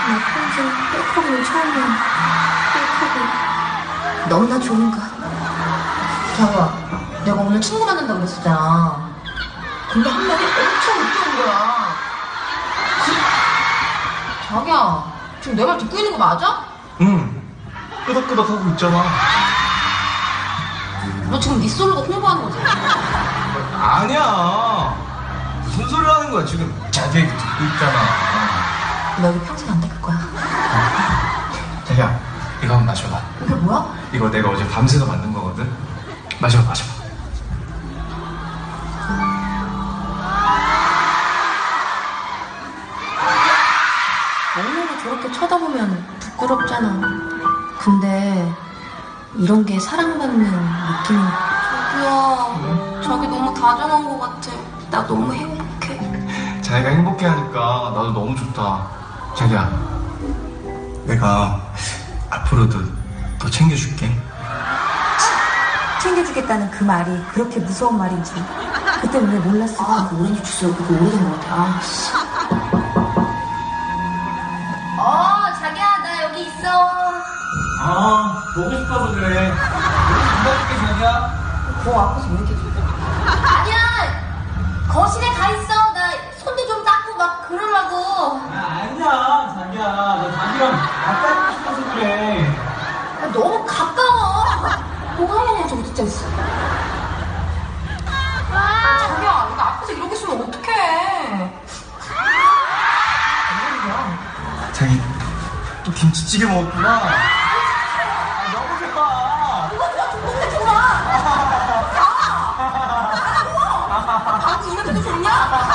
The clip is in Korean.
나 평생 셀카봉이 처음이야. 셀카봉. 너무나 좋은가? 자기야, 내가 오늘 친구 만난다고 그랬었잖아. 근데 한마디 엄청 웃겨온 거야. 자기야, 지금 내 말 듣고 있는 거 맞아? 응. 끄덕끄덕 하고 있잖아. 너 지금 네 솔로가 홍보하는 거지? 아니야. 무슨 소리 하는 거야, 지금. 자기 얘기 듣고 있잖아. 너 여기 평생 안 닦을 거야. 자기야, 이거 한번 마셔봐. 이게 뭐야? 이거 내가 어제 밤새서 만든 거거든. 마셔봐, 마셔봐. 얼마나 저렇게 쳐다보면 부끄럽잖아. 근데 이런 게 사랑받는 느낌인 자기야, 자기 너무 다정한 거 같아. 나 너무 행복해. 자기가 행복해하니까 나도 너무 좋다. 자기야, 내가 앞으로도 더 챙겨줄게. 챙겨주겠다는 그 말이 그렇게 무서운 말인지 그때 왜 몰랐을까? 그 오렌지 주스 그거 오래된 거 같아. 아, 씨. 자기야, 나 여기 있어. 아, 보고 싶어서 그래. 기다릴게, 자기야. 거 앞에서 왜 이렇게 아니야, 거실에 가 있어. 나 손도 좀 닦고 막 그러려고. 아니야, 자기야. 나 자기랑 가까이 싶어서 그래. 너무 가까워. 뭐가 하냐고 저기 진짜 있어. 자기야, 이거 앞에서 이러고 있으면 어떡해. 자기, 또 김치찌개 먹었구나. 너무 좋아. 이거 동동네 좋아. 야, 나라고. 방금 이 냄새도 좋냐?